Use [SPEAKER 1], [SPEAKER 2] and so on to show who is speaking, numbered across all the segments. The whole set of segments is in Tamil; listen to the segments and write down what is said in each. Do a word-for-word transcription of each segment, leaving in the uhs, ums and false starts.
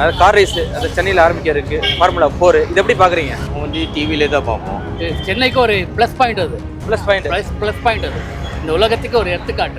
[SPEAKER 1] அதாவது கார் ரேஸ் அது சென்னையில் ஆரம்பிக்க இருக்கு ஃபார்முலா ஃபோர் இது எப்படி பார்க்குறீங்க?
[SPEAKER 2] வந்து டிவிலே தான் பார்ப்போம்.
[SPEAKER 3] சென்னைக்கு ஒரு ப்ளஸ் பாயிண்ட் அது
[SPEAKER 1] plus point
[SPEAKER 3] plus plus point அது இந்த உலகத்துக்கு ஒரு எடுத்துக்காட்டு.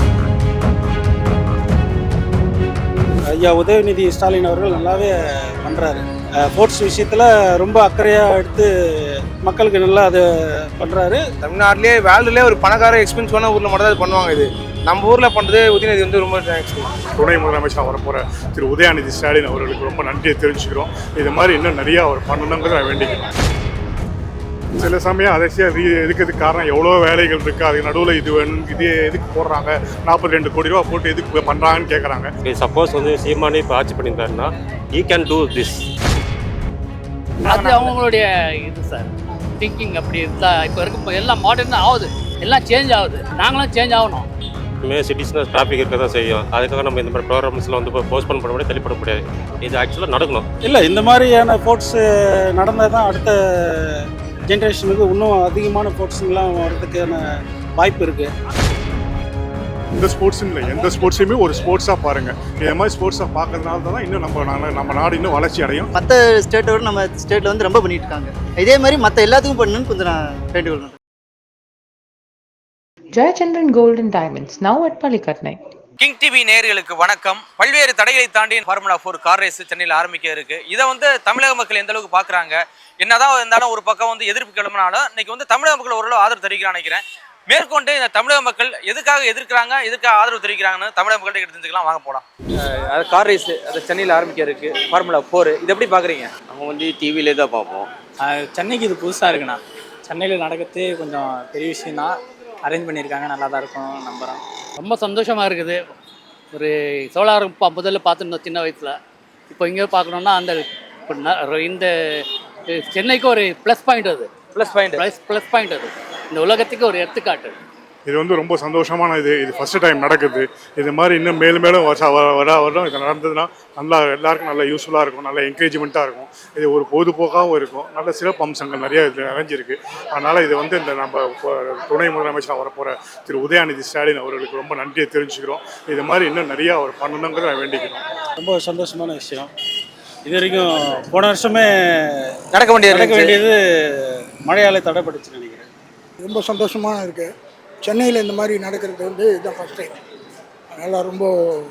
[SPEAKER 4] ஐயா உதயநிதி ஸ்டாலின் அவர்கள் நல்லாவே பண்ணுறாரு. ஸ்போர்ட்ஸ் விஷயத்தில் ரொம்ப அக்கறையாக எடுத்து மக்களுக்கு நல்லா அது பண்ணுறாரு.
[SPEAKER 5] தமிழ்நாட்டிலே வேர்ல்டுலேயே ஒரு பணக்கார எக்ஸ்பென்சிவான ஊரில் மட்டும் தான் இது பண்ணுவாங்க. இது நம்ம ஊரில் பண்ணுறது உதயநிதி வந்து ரொம்ப தேங்க்ஸ்.
[SPEAKER 6] துணை முதலமைச்சராக வரப்போகிற திரு உதயநிதி ஸ்டாலின் அவர்களுக்கு ரொம்ப நன்றியை தெரிஞ்சுக்கிறோம். இது மாதிரி இன்னும் நிறையா அவர் பண்ணணுங்கிறத நான் வேண்டிக்கிறேன். சில சமயம் அதிசயம் இருக்கிறதுக்கு காரணம் எவ்வளோ வேலைகள் இருக்குது, அதுக்கு நடுவில் இது வேணும் இது எதுக்கு போடுறாங்க, நாற்பத்தி ரெண்டு கோடி ரூபா போட்டு எதுக்கு பண்ணுறாங்கன்னு கேட்குறாங்க.
[SPEAKER 7] சப்போஸ் வந்து சீமானே இப்போ ஆட்சி பண்ணியிருந்தாருன்னா ஈ கேன் டூ திஸ்.
[SPEAKER 3] அது அவங்களுடைய இது சார் திங்கிங் அப்படி இருந்தா இப்போ இருக்க எல்லாம் மாடர்ன் ஆகுது, எல்லாம் சேஞ்ச் ஆகுது, நாங்களும் சேஞ்ச் ஆகணும்.
[SPEAKER 7] இனிமேல் சிட்டிஸ்னால் டிராஃபிக் இருக்க தான் செய்யும். அதுக்காக நம்ம இந்த மாதிரி ப்ரோக்ராம்ஸில் வந்து போஸ்ட்போன் பண்ண முடியாது, தள்ளிப்பட முடியாது. இது ஆக்சுவலாக நடக்கணும்.
[SPEAKER 4] இல்லை, இந்த மாதிரியான ஸ்போர்ட்ஸு நடந்தால் தான் அடுத்த ஜென்ரேஷனுக்கு இன்னும் அதிகமான ஸ்போர்ட்ஸுங்கெலாம் வர்றதுக்கான வாய்ப்பு இருக்குது.
[SPEAKER 6] இந்த ஸ்போர்ட்ஸும் இல்லை, எந்த ஸ்போர்ட்ஸையுமே ஒரு ஸ்போர்ட்ஸாக பாருங்கள். இதே மாதிரி ஸ்போர்ட்ஸாக பார்க்கறதுனால தான் இன்னும் நம்ம நம்ம நாடு இன்னும் வளர்ச்சி அடையும்.
[SPEAKER 8] மற்ற ஸ்டேட்டோட நம்ம ஸ்டேட்டில் வந்து ரொம்ப பண்ணிட்டு இருக்காங்க. இதே மாதிரி மற்ற எல்லாத்துக்கும் பண்ணணும்னு கொஞ்சம் நான் வேண்டுகொள்கிறேன்.
[SPEAKER 9] Jayachandran Gold and Diamonds, now at Palikatnai.
[SPEAKER 1] King TV நேயர்களுக்கு வணக்கம். பல்வேறு தடைகளை தாண்டி ஃபார்முலா ஃபோர் கார் ரேஸ் சென்னையில் ஆரம்பிக்க இருக்கு. இதை வந்து தமிழக மக்கள் எந்த அளவுக்கு பார்க்குறாங்க, என்னதான் இருந்தாலும் ஒரு பக்கம் வந்து எதிர்ப்பு கிளம்பினாலும் இன்னைக்கு வந்து தமிழக மக்கள் ஓரளவு ஆதரவு தெரிவிக்கிறான்னு நினைக்கிறேன். மேற்கொண்டு இந்த தமிழக மக்கள் எதுக்காக எதிர்க்கிறாங்க, எதுக்காக ஆதரவு தெரிவிக்கிறாங்கன்னு தமிழக மக்கள்கிட்ட தெரிஞ்சுக்கலாம், வாங்க போகலாம். அது கார் ரேஸ் அது சென்னையில் ஆரம்பிக்க இருக்கு ஃபார்முலா ஃபோர் இது எப்படி பார்க்குறீங்க?
[SPEAKER 2] நம்ம வந்து டிவிலே தான் பார்ப்போம்.
[SPEAKER 10] சென்னைக்கு இது புதுசாக இருக்குண்ணா. சென்னையில் நடக்கிறது கொஞ்சம் பெரிய விஷயம் தான். அரேஞ்ச் பண்ணியிருக்காங்க, நல்லா தான் இருக்கும் நம்புகிறோம்.
[SPEAKER 3] ரொம்ப சந்தோஷமாக இருக்குது. ஒரு சோலார் முதல்ல பார்த்துருந்தோம் சின்ன வயசில், இப்போ இங்கே பார்க்கணுன்னா அந்த இந்த சென்னைக்கு ஒரு ப்ளஸ் பாயிண்ட் அது
[SPEAKER 1] plus point
[SPEAKER 3] plus plus point அது இந்த உலகத்துக்கு ஒரு எடுத்துக்காட்டு.
[SPEAKER 6] இது வந்து ரொம்ப சந்தோஷமான இது. இது ஃபஸ்ட்டு டைம் நடக்குது. இது மாதிரி இன்னும் மேலும் மேலும் வருஷம் வர வரும் இது நடந்ததுன்னா நல்லா எல்லாருக்கும் நல்ல யூஸ்ஃபுல்லாக இருக்கும், நல்ல என்கரேஜ்மெண்ட்டாக இருக்கும். இது ஒரு பொழுதுபோக்காகவும் இருக்கும். நல்ல சிறப்பு அம்சங்கள் நிறைய இதில் நிறைஞ்சிருக்கு. அதனால் இது வந்து இந்த நம்ம துணை முதலமைச்சராக வரப்போகிற திரு உதயநிதி ஸ்டாலின் அவர்களுக்கு ரொம்ப நன்றியை தெரிஞ்சுக்கிறோம். இது மாதிரி இன்னும் நிறையா அவர் பண்ணணுங்கிறத நான் வேண்டிக்கிறோம்.
[SPEAKER 4] ரொம்ப சந்தோஷமான விஷயம். இது வரைக்கும் போன வருஷமே
[SPEAKER 1] நடக்க வேண்டியது
[SPEAKER 4] நடக்க வேண்டியது மழையால் தடைப்பட்டுச்சு நினைக்கிறேன்.
[SPEAKER 11] ரொம்ப சந்தோஷமாக இருக்குது. சென்னையில் இந்த மாதிரி நடக்கிறது வந்து இதுதான் ஃபஸ்ட் டைம். அதனால் ரொம்ப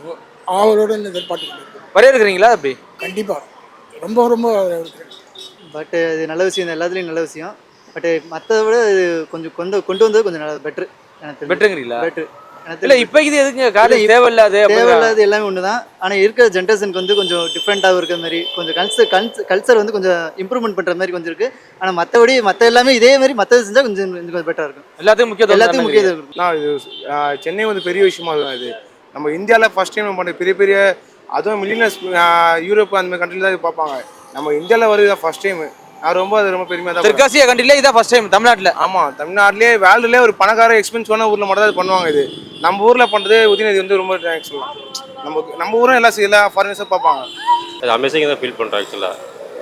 [SPEAKER 11] ஆவலோடு எதிர்பார்த்துக்கிட்டு
[SPEAKER 1] வரவேற்கிறீங்களா? அப்படி
[SPEAKER 11] கண்டிப்பாக ரொம்ப ரொம்ப இருக்கிறேன்.
[SPEAKER 8] பட் இது நல்ல விஷயம் தான், எல்லாத்துலேயும் நல்ல விஷயம். பட் மற்றதை விட இது கொஞ்சம் கொண்டு கொண்டு வந்தது கொஞ்சம் நல்லா பெட்ரு. எனக்கு
[SPEAKER 1] பெட்டருங்கிறீங்களா?
[SPEAKER 8] பெட்ரு
[SPEAKER 1] இல்லை, இப்போ இது எதுக்கு காலேஜ் தேவையில்லாது
[SPEAKER 8] தேவையில்லாது எல்லாமே ஒன்று தான். ஆனால் இருக்கிற ஜென்ரேஷனுக்கு வந்து கொஞ்சம் டிஃப்ரெண்ட்டாகவும் இருக்கிற மாதிரி, கொஞ்சம் கல்ச்சர் கல்ச்சர் கல்ச்சர் வந்து கொஞ்சம் இம்ப்ரூவ்மெண்ட் பண்ணுற மாதிரி கொஞ்சம் இருக்குது. ஆனால் மற்றபடி மற்ற எல்லாமே இதே மாதிரி மற்றது செஞ்சால் கொஞ்சம் கொஞ்சம் பெட்டராக இருக்கும்.
[SPEAKER 1] எல்லாத்துக்கும் முக்கியத்துவம்
[SPEAKER 8] எல்லாத்துக்கும் முக்கியத்துவம் இருக்கும்.
[SPEAKER 5] நான் இது சென்னை வந்து பெரிய விஷயமா இருக்கும். இது நம்ம இந்தியாவில் ஃபஸ்ட் டைம் பண்ணுற பெரிய பெரிய அதுவும் மில்லியனர்ஸ் யூரோப் அந்த மாதிரி கண்ட்ரியில் தான் இது பார்ப்பாங்க. நம்ம இந்தியாவில் வருது ஃபஸ்ட் டைம். நான் ரொம்ப அது ரொம்ப பெருமையாக தான்.
[SPEAKER 1] தெற்காசியா கண்ட்ரிலே இதான் ஃபர்ஸ்ட் டைம் தமிழ்நாட்டில்.
[SPEAKER 5] ஆமாம், தமிழ்நாட்டிலே வேர்ல்டுலேயே ஒரு பணக்கார எக்ஸ்பென்சிவான ஊரில் மட்டும் தான் இது பண்ணுவாங்க. இது நம்ம ஊரில் பண்ணுறது உதயநிதி வந்து ரொம்ப தேங்க்ஸ் சொல்லலாம். நம்ம நம்ம ஊரும் எல்லாம் எல்லா ஃபாரினர்ஸும் பார்ப்பாங்க.
[SPEAKER 7] அது அமேசிங்காக தான் ஃபீல் பண்ணுறேன். ஆக்சுவலாக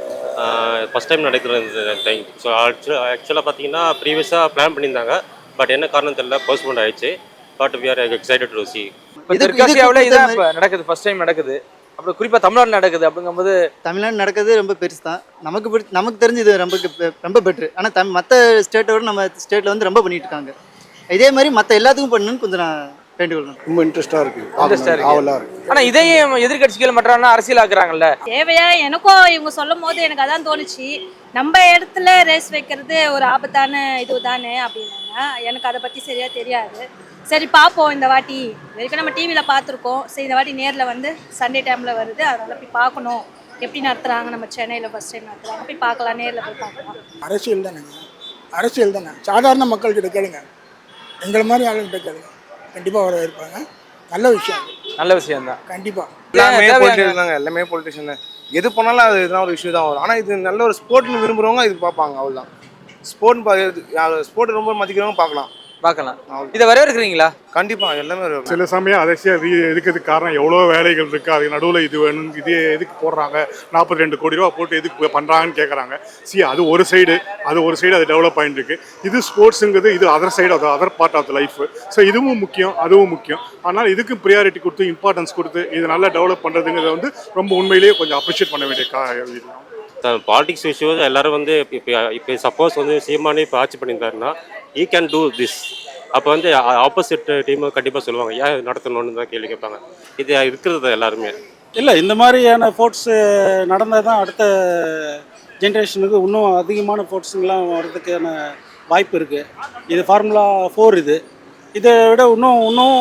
[SPEAKER 7] ஃபஸ்ட் டைம் நடக்கிற இந்த டைம். ஸோ ஆக்சுவலாக ஆக்சுவலாக பார்த்தீங்கன்னா ப்ரீவியஸாக பிளான் பண்ணியிருந்தாங்க. பட் என்ன காரணம் தெரியல, போஸ்ட்போன் ஆயிடுச்சு. But we are excited to see.
[SPEAKER 1] இப்போ தெற்காசியாவில் இதான் இப்போ நடக்குது, ஃபர்ஸ்ட் டைம் நடக்குது. அப்புறம் குறிப்பாக தமிழ்நாடு நடக்குது. அப்படிங்கும்போது
[SPEAKER 8] தமிழ்நாடு நடக்கிறது ரொம்ப பெருசு தான். நமக்கு பிடி நமக்கு தெரிஞ்சு இது ரொம்ப ரொம்ப பெட்ரு. ஆனால் தம் மற்ற ஸ்டேட்டோட நம்ம ஸ்டேட்டில் வந்து ரொம்ப பண்ணிட்டு இருக்காங்க. இதே மாதிரி மற்ற எல்லாத்துக்கும் பண்ணணும்னு கொஞ்சம் நான் வேண்டுகொள்கிறேன்.
[SPEAKER 11] ரொம்ப இன்ட்ரெஸ்ட்டாக இருக்குது.
[SPEAKER 1] இன்ட்ரெஸ்டாக இருக்குது. ஆனால் இதையும் எதிர்கட்சிகள் மற்றானா அரசியல் ஆக்குறாங்கல்ல.
[SPEAKER 12] தேவையா? எனக்கும் இவங்க சொல்லும் போது எனக்கு அதான் தோணுச்சு, நம்ம இடத்துல ரேஸ் வைக்கிறது ஒரு ஆபத்தான இது தானே அப்படின்னாங்க. எனக்கு அதை பற்றி சரியாக தெரியாது. சரி பார்ப்போம் இந்த வாட்டி. வரைக்கும் நம்ம டிவியில் பார்த்துருக்கோம். சரி இந்த வாட்டி நேரில் வந்து சண்டே டைமில் வருது, அதனால் போய் பார்க்கணும் எப்படி நடத்துகிறாங்க. நம்ம சென்னையில் ஃபஸ்ட் டைம் நடத்துகிறாங்க, போய் பார்க்கலாம், நேரில் போய் பார்க்கலாம்.
[SPEAKER 11] அரசியல் தானேங்க, அரசியல் தானே. சாதாரண மக்கள்கிட்ட கேளுங்க, எங்களை மாதிரி ஆளுங்கிட்ட கேளுங்க, கண்டிப்பாக வர இருப்பாங்க. நல்ல விஷயம்,
[SPEAKER 1] நல்ல விஷயம் தான்.
[SPEAKER 11] கண்டிப்பாக
[SPEAKER 5] எல்லாமே பொலிட்டிஷியன் தாங்க, எல்லாமே பொலிட்டிஷியன் தான். எது பண்ணாலும் அது எதுனா ஒரு இஷ்யூ தான் வரும். ஆனால் இது நல்ல ஒரு ஸ்போர்ட்னு விரும்புகிறவங்க இது பார்ப்பாங்க, அவ்வளோதான். ஸ்போர்ட்னு ஸ்போர்ட் ரொம்ப மதிக்கிறவங்க பார்க்கலாம்.
[SPEAKER 1] பார்க்கலாம். இதை வரவேற்கிறீங்களா?
[SPEAKER 5] கண்டிப்பா எல்லாமே வருவாங்க.
[SPEAKER 6] சில சமயம் அரசியல் ரீ இருக்கிறதுக்கு காரணம் எவ்வளோ வேலைகள் இருக்குது, அது நடுவில் இது வேணும், இது எதுக்கு போடுறாங்க, நாற்பத்தி ரெண்டு கோடி ரூபா போட்டு எதுக்கு பண்ணுறாங்கன்னு கேட்குறாங்க. சி அது ஒரு சைடு, அது ஒரு சைடு அது டெவலப் ஆகிட்டு இருக்கு. இது ஸ்போர்ட்ஸுங்கிறது இது அதர் சைடு, அது other part of the life. So இதுவும் முக்கியம், அதுவும் முக்கியம். ஆனால் இதுக்கு ப்ரியாரிட்டி கொடுத்து இம்பார்ட்டன்ஸ் கொடுத்து இது நல்லா டெவலப் பண்ணுறதுங்கிறத வந்து ரொம்ப உண்மையிலேயே கொஞ்சம் அப்ரிஷியேட் பண்ண வேண்டிய கா
[SPEAKER 7] பாலிடிக்ஸ் விஷயம் எல்லாரும் வந்து இப்போ இப்போ சப்போஸ் வந்து சீமானே இப்போ ஆட்சி பண்ணியிருந்தாருன்னா ஈ கேன் டூ திஸ். அப்போ வந்து ஆப்போசிட் டீமை கண்டிப்பாக சொல்லுவாங்க ஏன் நடத்தணும்னு தான் கேள்வி கேட்பாங்க. இது இருக்கிறது எல்லாருமே
[SPEAKER 4] இல்லை, இந்த மாதிரியான ஸ்போர்ட்ஸு நடந்தால் தான் அடுத்த ஜென்ரேஷனுக்கு இன்னும் அதிகமான ஸ்போர்ட்ஸுங்கெலாம் வர்றதுக்கான வாய்ப்பு இருக்குது. இது ஃபார்முலா ஃபோர், இது இதை விட இன்னும் இன்னும்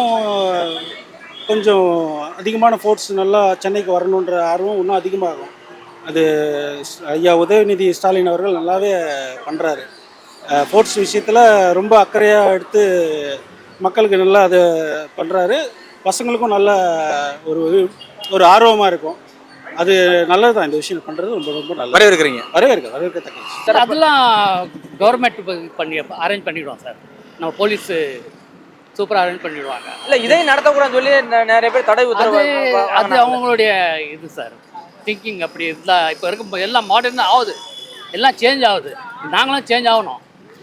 [SPEAKER 4] கொஞ்சம் அதிகமான ஸ்போர்ட்ஸ் நல்லா சென்னைக்கு வரணுன்ற ஆர்வம் இன்னும் அதிகமாகும். அது ஐயா உதயநிதி ஸ்டாலின் அவர்கள் நல்லாவே பண்ணுறாரு. ஸ்போர்ட்ஸ் விஷயத்தில் ரொம்ப அக்கறையாக எடுத்து மக்களுக்கு நல்லா அதை பண்ணுறாரு. பசங்களுக்கும் நல்ல ஒரு ஒரு ஆர்வமாக இருக்கும். அது நல்லது தான், இந்த விஷயம் பண்ணுறது ரொம்ப ரொம்ப நல்லது.
[SPEAKER 1] வரவேற்கிறீங்க?
[SPEAKER 4] வரவேற்க வரவேற்கத்தக்க
[SPEAKER 3] சார் அதெல்லாம் கவர்மெண்ட் பண்ணி அரேஞ்ச் பண்ணிவிடுவோம் சார். நம்ம போலீஸு சூப்பராக அரேஞ்ச் பண்ணிவிடுவாங்க.
[SPEAKER 1] இல்லை இதையும் நடத்தக்கூடாதுன்னு சொல்லி நெ- நிறைய பேர் தடை
[SPEAKER 3] அது
[SPEAKER 1] உத்தரவு
[SPEAKER 3] அது அவங்களுடைய இது சார் திங்கிங். அப்படி இருந்தால் இப்போ இருக்கும் எல்லாம் மாடர்னாக ஆகுது, எல்லாம் சேஞ்ச் ஆகுது. நாங்களும் சேஞ்ச் ஆகணும்,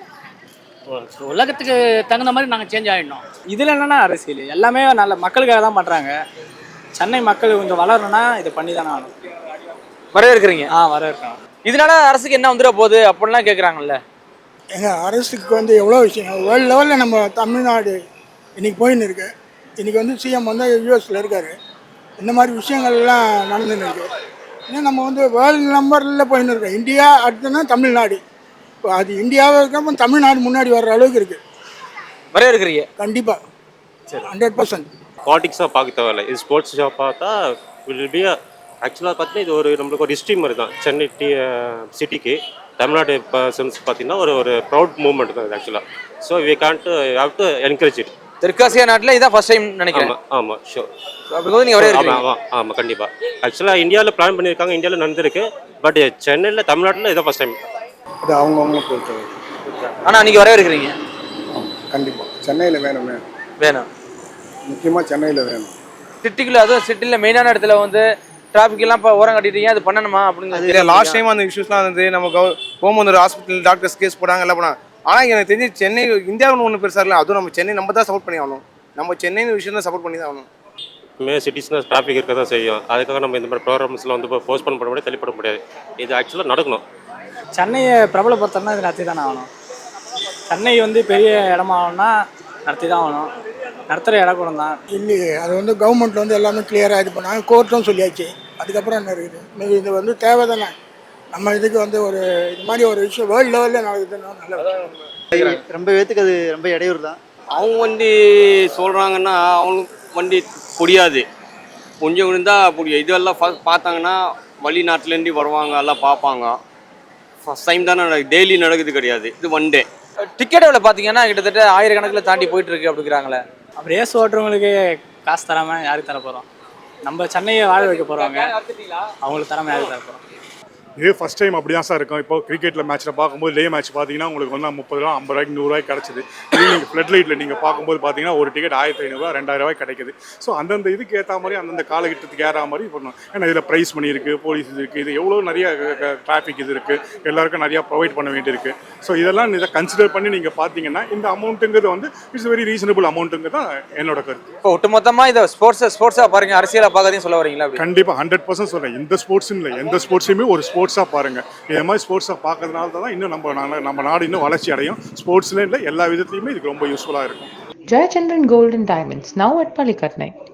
[SPEAKER 3] உலகத்துக்கு தகுந்த மாதிரி நாங்கள் சேஞ்ச் ஆகிடணும்.
[SPEAKER 10] இதில் என்னென்னா அரசியல் எல்லாமே நல்ல மக்களுக்காக தான் பண்ணுறாங்க. சென்னை மக்கள் கொஞ்சம் வளரணும்னா இதை பண்ணி தானே ஆகணும்.
[SPEAKER 1] வரவேற்கிறீங்க?
[SPEAKER 10] ஆ வரவேற்கணும்.
[SPEAKER 1] இதனால அரசுக்கு என்ன வந்துட போகுது அப்படின்லாம் கேட்குறாங்கல்ல.
[SPEAKER 11] எங்கள் அரசுக்கு வந்து எவ்வளோ விஷயம் வேர்ல்டு லெவலில் நம்ம தமிழ்நாடு இன்றைக்கி போயின்னு இருக்கு. இன்றைக்கி வந்து சிஎம் வந்து யூஎஸில் இருக்கார். இந்த மாதிரி விஷயங்கள்லாம் நடந்துன்னு இருக்கு. இன்னும் நம்ம வந்து வேர்ல்டு நம்பரில் போயின்னு இருக்கோம். இந்தியா அடுத்ததுன்னா தமிழ்நாடு. இப்போ அது இந்தியாவை இருக்கப்போ தமிழ்நாடு முன்னாடி வர்ற அளவுக்கு இருக்குது.
[SPEAKER 1] வரவேற்கிறீங்க?
[SPEAKER 11] கண்டிப்பாக சரி, ஹண்ட்ரட் பர்சன்ட்.
[SPEAKER 7] பாலிடிக்ஸாக பார்க்க தேவையில்லை. இது ஸ்போர்ட்ஸ் ஷாப் பார்த்தா வில் பி ஆக்சுவலாக பார்த்தீங்கன்னா இது ஒரு நம்மளுக்கு ஒரு ஹிஸ்ட்ரி மாதிரி தான். சென்னை டி சிட்டிக்கு தமிழ்நாடு பர்சன்ஸ் பார்த்தீங்கன்னா ஒரு ஒரு ப்ரௌட் மூவ்மெண்ட் தான் இது ஆக்சுவலாக. So we can't have to encourage it.
[SPEAKER 1] தெற்காசியா நாட்டில் இதான் ஃபர்ஸ்ட் டைம் நினைக்கிறேன்.
[SPEAKER 7] ஆமாம் ஆமாம் ஷோர்.
[SPEAKER 1] அப்படி போது நீங்கள் வரவேற்கிறீங்க?
[SPEAKER 7] ஆமாம் ஆமாம் ஆமாம் கண்டிப்பாக. ஆக்சுவலாக இந்தியாவில் பிளான் பண்ணியிருக்காங்க, இந்தியாவில் நடந்திருக்கு. பட் சென்னையில் தமிழ்நாட்டில் இதான் ஃபர்ஸ்ட் டைம்.
[SPEAKER 5] அது அவங்கவுங்க பொறுத்த
[SPEAKER 1] ஆனால் அன்றைக்கி வரவேற்கிறீங்க?
[SPEAKER 5] கண்டிப்பாக சென்னையில் வேணுமே,
[SPEAKER 1] வேணும்.
[SPEAKER 5] முக்கியமாக சென்னையில் வேணும்.
[SPEAKER 1] சிட்டிக்குள்ள, அதுவும் சிட்டியில் மெயினான இடத்துல வந்து டிராஃபிக் எல்லாம் இப்போ ஓரம் கட்டிட்டீங்க, அது பண்ணணுமா அப்படின்னு?
[SPEAKER 5] லாஸ்ட் டைம் அந்த இஷ்யூஸ்லாம் வந்து நம்ம கவ போகும்போது ஒரு ஹாஸ்பிட்டல் டாக்டர்ஸ் கேஸ் போடாங்க எல்லாம் போனாங்க. ஆனால் எனக்கு தெரிஞ்சு சென்னை இந்தியாவுன்னு ஒன்று பெருசாக இல்லை. அதுவும் நம்ம சென்னை நம்ம தான் சப்போர்ட் பண்ணி ஆகணும். நம்ம சென்னைன்னு விஷயம் தான் சப்போர்ட் பண்ணி தான் ஆகணும்.
[SPEAKER 7] மே சிட்டிஸ்னால் டிராஃபிக் இருக்க தான் செய்யும். அதுக்காக நம்ம இந்த மாதிரி ப்ரோக்ராம்ஸில் வந்து இப்போ போஸ்ட் பண்ண முடியாது, தள்ளிப்பட முடியாது. இது ஆக்சுவலாக நடக்கணும்.
[SPEAKER 10] சென்னையை பிரபலப்படுத்தணும்னா இது நடத்தி தானே ஆகணும். சென்னை வந்து பெரிய இடமா ஆகணும்னா நடத்தி தான் ஆகணும். நடத்துகிற இடம் கூட தான்
[SPEAKER 11] இல்லையே, அது வந்து கவர்மெண்ட் வந்து எல்லாமே கிளியராக இது பண்ணாங்க. கோர்ட்டும் சொல்லியாச்சு. அதுக்கப்புறம் என்ன இருக்குது? இது இது வந்து தேவை தானே. நம்ம இதுக்கு வந்து ஒரு இது மாதிரி ஒரு விஷயம் வேர்ல்டு லெவலில் நடக்குதுன்னா நல்ல
[SPEAKER 8] ரொம்ப பேத்துக்கு அது ரொம்ப இடையூறு தான்.
[SPEAKER 2] அவங்க வண்டி சொல்கிறாங்கன்னா அவங்களுக்கு வண்டி புரியாது, கொஞ்சம் இருந்தால் புரியும். இதெல்லாம் ஃபஸ்ட் பார்த்தாங்கன்னா வெளிநாட்டிலேருந்து வருவாங்க, எல்லாம் பார்ப்பாங்க. ஃபஸ்ட் டைம் தானே நடக்குது, டெய்லி நடக்குது கிடையாது. இது ஒன் டே.
[SPEAKER 1] டிக்கெட் எவ்வளோ பார்த்தீங்கன்னா கிட்டத்தட்ட ஆயிரக்கணக்கில் தாண்டி போயிட்டு இருக்கு அப்படிங்கிறாங்களே.
[SPEAKER 10] அப்படி ரேஸ் ஓட்டுறவங்களுக்கு காசு தராமல் யாருக்கு தர போகிறோம்? நம்ம சென்னையை வாழ வைக்க போகிறவங்க, அவங்களுக்கு தராமல் யாருக்கு தர போகிறோம்?
[SPEAKER 6] இது ஃபஸ்ட் டைம் அப்படி தான் சார் இருக்கும். இப்போ கிரிக்கெட்டில் மேட்ச்சில் பார்க்கும்போது லே மேட்ச் பார்த்தீங்கன்னா உங்களுக்கு வந்து முப்பது ரூபா ஐம்பது ரூபாய்க்கு நூறுரூவாய்க்கு கிடச்சிது. இதே நீங்கள் ஃப்ளட் லைட்டில் நீங்கள் பார்க்கும்போது பார்த்தீங்கன்னா ஒரு டிக்கெட் ஆயிரத்தி ஐநூறுரூவா ரெண்டாயிரம் ரூபாய் கிடைக்குது. ஸோ அந்தந்த இதுக்கு ஏற்ற மாதிரி அந்தந்த காலகட்டத்துக்கு ஏற்ற மாதிரி பண்ணணும். ஏன்னா இதில் ப்ரைஸ் மணி இருக்குது, போலீஸ் இது இருக்குது, இது எவ்வளோ நிறைய டிராஃபிக் இது இருக்குது, எல்லாருக்கும் நிறையா ப்ரொவைட் பண்ண வேண்டியிருக்கு. ஸோ இதெல்லாம் இதை கன்சிடர் பண்ணி நீங்கள் பார்த்தீங்கன்னா இந்த அமௌண்ட்டுங்கிறது வந்து இட்ஸ் வெரி ரீசனபிள் அமௌண்ட்டுங்கிறது தான் என்னோட கருத்து.
[SPEAKER 1] இப்போ ஒட்டுமொத்தமாக இதை ஸ்போர்ட்ஸை ஸ்போர்ட்ஸாக பாருங்க, அரசியலாக பார்க்கறதையும் சொல்ல வரீங்களா?
[SPEAKER 6] கண்டிப்பாக ஹண்ட்ரட் பர்சன்ட் சொல்கிறேன். இந்த ஸ்போர்ட்ஸ்னு இல்லை, எந்த ஸ்போர்ட்ஸுமே ஒரு ஸ்போர்ட்ஸாக பாருங்கள். இதே மாதிரி ஸ்போர்ட்ஸை பார்க்கறதுனால தான் இன்னும் நம்ம நம்ம நாடு இன்னும் வளர்ச்சி அடையும். ஸ்போர்ட்ஸ்ல இல்லை, எல்லா விதத்துலையுமே இதுக்கு ரொம்ப யூஸ்ஃபுல்லாக இருக்கும்.
[SPEAKER 9] Jayachandran Gold and Diamonds, now at Palikatnai.